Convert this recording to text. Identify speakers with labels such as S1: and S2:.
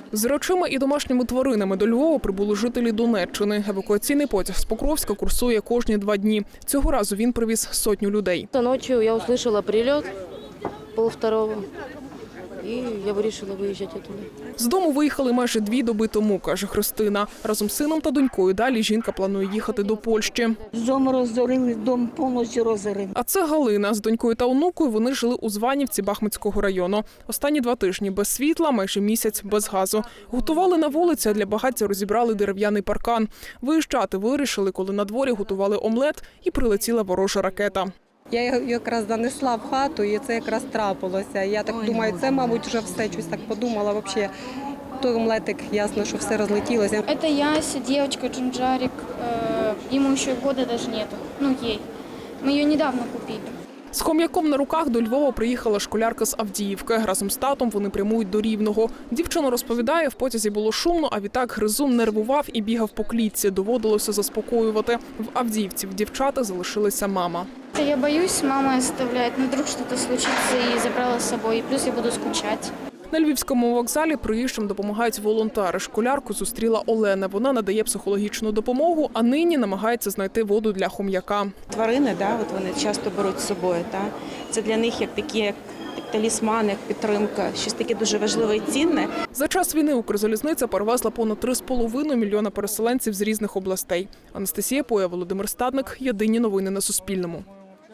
S1: З речами і домашніми тваринами до Львова прибули жителі Донеччини. Евакуаційний потяг з Покровська курсує кожні 2 дні. Цього разу він привіз 100 людей.
S2: Ночі я услышала прильот 1:30, і я вирішила виїжджати туди.
S1: З дому виїхали майже 2 доби тому, каже Христина. Разом з сином та донькою далі жінка планує їхати до Польщі.
S3: Дом розорили, дом повністю розорили.
S1: А це Галина. З донькою та онукою вони жили у Званівці Бахмутського району. Останні 2 тижні без світла, майже місяць без газу. Готували на вулиці, а для багаття розібрали дерев'яний паркан. Виїжджати вирішили, коли на дворі готували омлет і прилетіла ворожа ракета.
S4: Я його якраз занесла в хату, і це якраз трапилося. Я так думаю, це, мабуть, вже все, щось так подумала. Взагалі, той омлетик, ясно, що все розлетілося.
S5: Это Яся, девочка Джунджарик. Ему еще года даже нету. Ну, ей. Мы ее недавно купили.
S1: З хом'яком на руках до Львова приїхала школярка з Авдіївки. Разом з татом вони прямують до Рівного. Дівчина розповідає, в потязі було шумно, а відтак гризун нервував і бігав по клітці. Доводилося заспокоювати. В Авдіївці в дівчата залишилася мама.
S5: Я боюсь, мама оставляет, но вдруг что-то случится и забрала с собой. И плюс я буду скучать.
S1: На Львівському вокзалі приїжджим допомагають волонтери. Школярку зустріла Олена. Вона надає психологічну допомогу, а нині намагається знайти воду для хом'яка.
S6: Тварини, вони часто беруть з собою. Це для них як такі як талісмани, як підтримка, щось таке дуже важливе і цінне.
S1: За час війни Укрзалізниця перевезла понад 3,5 мільйона переселенців з різних областей. Анастасія Поя, Володимир Стадник. Єдині новини на Суспільному.